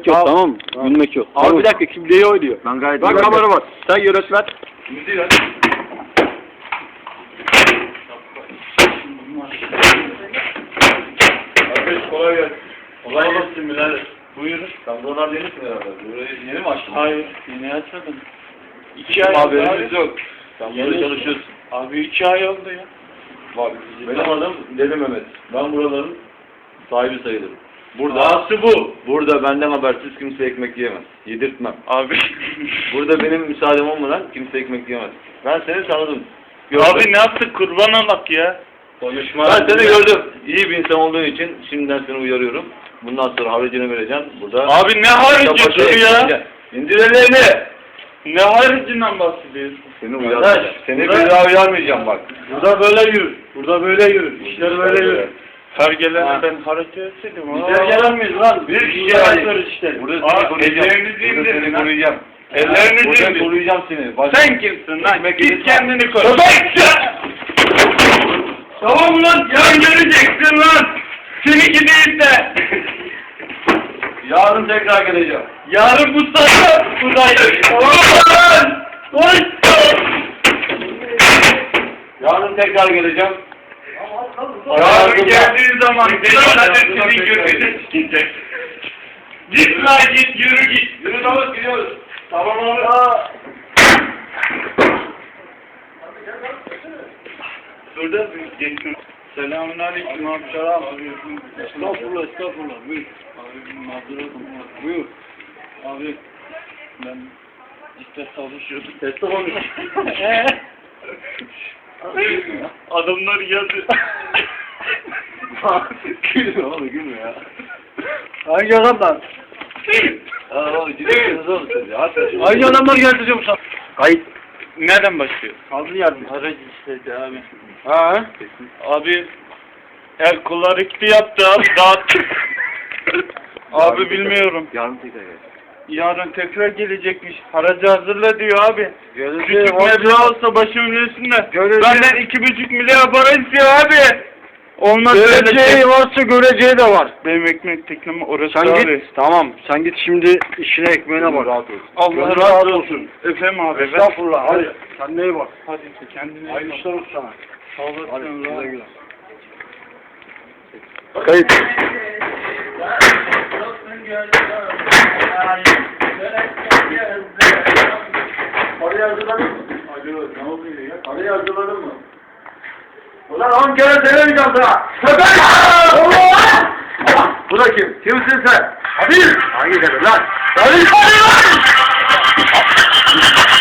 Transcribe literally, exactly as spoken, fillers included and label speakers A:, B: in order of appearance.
A: Gülmek yok, tamam mı? Gülmek yok.
B: Abi bir dakika, kim neyi oynuyor?
A: Ben gayet
B: Bak kamera var. Sen yönetmen.
C: Müziği ver. Arkadaş kolay gelsin. Kolay gelsin birader. Buyurun. Sen buralar yenisin herhalde. Burayı yeni mi açtın?
D: Hayır, yeni açmadım. İki ay oldu
C: Haberimiz
D: abi.
C: yok. Sen burada
D: Yeni-
C: çalışıyorsun.
D: Abi iki ay oldu ya.
C: Bak benim adım Deli Mehmet. Ben buraların sahibi sayılırım. Burada,
D: Ağası bu.
C: burada benden habersiz kimse ekmek yiyemez. Yedirtmem.
D: Abi.
C: Burada benim müsaadem olmadan kimse ekmek yiyemez. Ben seni tanıdım.
D: Abi ne yaptık, kurban olak ya.
C: Konuşma. Ben seni gördüm. İyi bir insan olduğun için şimdiden seni uyarıyorum. Bundan sonra haricini vereceğim. Burada.
D: Abi ne harici dur ya.
C: İndir ellerini.
D: Ne haricinden bahsediyorsun?
C: Seni uyarmayacağım. Seni bir daha uyarmayacağım bak.
B: Burada böyle yürü. Burada böyle yürü. İşler böyle yürü.
D: Her gelene ben hareket etseydim.
B: Bizler gelen miyiz lan?
C: Bir kişi
B: Burada
C: yani.
B: yapıyoruz işte.
C: Burada seni
D: Aa,
C: koruyacağım.
D: ellerinizi
C: Burada
D: indirin
C: seni
D: lan.
C: koruyacağım.
D: Ellerinizi
C: Burada
D: indir.
C: koruyacağım seni. Bak.
D: Sen kimsin lan?
C: Ekmek
D: Git
C: yedirtmem.
D: kendini koru. Tamam lan, yan göreceksin lan. Seninki değil de.
C: Yarın tekrar geleceğim.
D: Yarın bu saatte buradayım. Tamam lan. Koş.
C: Yarın tekrar geleceğim.
D: Yarın geldiğin zaman benim adresini görmeyecek. Git lan git, yürü git.
C: Yürü Davut gidiyoruz.
D: Tamam abi. Şurada bir geçiyorum. Selamun aleyküm abi. Selam abi. Estağfurullah, estağfurullah. Buyur. Abi mazeret olmaz. Buyur. Abi ben işte çalışıyordum.
B: Teslim olmuş.
D: Adamlar geldi.
C: Gülme oğlum gülme ya.
B: Hangi adamlar?
C: Aa oğlum gidiyorsunuz oğlum siz ya. Hadi.
B: Hangi adamlar geldi diyorum sana? Kayıt.
D: Nereden başlıyor?
B: Kaldın yardım.
D: Aracı istedi abi.
B: Ha?
D: Abi el kullar ikti yaptı abi dağıttı. Abi bilmiyorum.
C: Yarın tekrar gel.
D: Yarın tekrar gelecekmiş. Haracı hazırla diyor abi.
B: Geleceğim.
D: Küçük meblağ olsa başımın üstünde.
B: Göreceğim.
D: Benden iki buçuk milyar para istiyor abi. Olmaz öyle
B: Göreceği
D: şey.
B: varsa göreceği de var.
D: Benim ekmek teknem orası
B: Sen
D: abi.
B: git. Tamam. Sen git şimdi işine ekmeğine bak.
C: Rahat ol.
D: Allah
B: Gönlün
D: razı olsun. Efendim abi. ben-
B: Estağfurullah. Hadi. Kendine iyi bak.
D: Hadi kendine iyi
B: Hayırlı
D: bak.
B: işler olsun sana.
D: Sağ olasın.
B: Hadi. Güle
D: rahat.
B: güle. Kayıt.
C: Parayı hazırladın mı? Alo ne oluyor ya? Parayı hazırladın mı? Ulan on kere söylemeyeceğim sana. Köpek! Bu da kim? Kimsin sen? Hadi! Hangi kadın lan? Hadi! Hadi lan!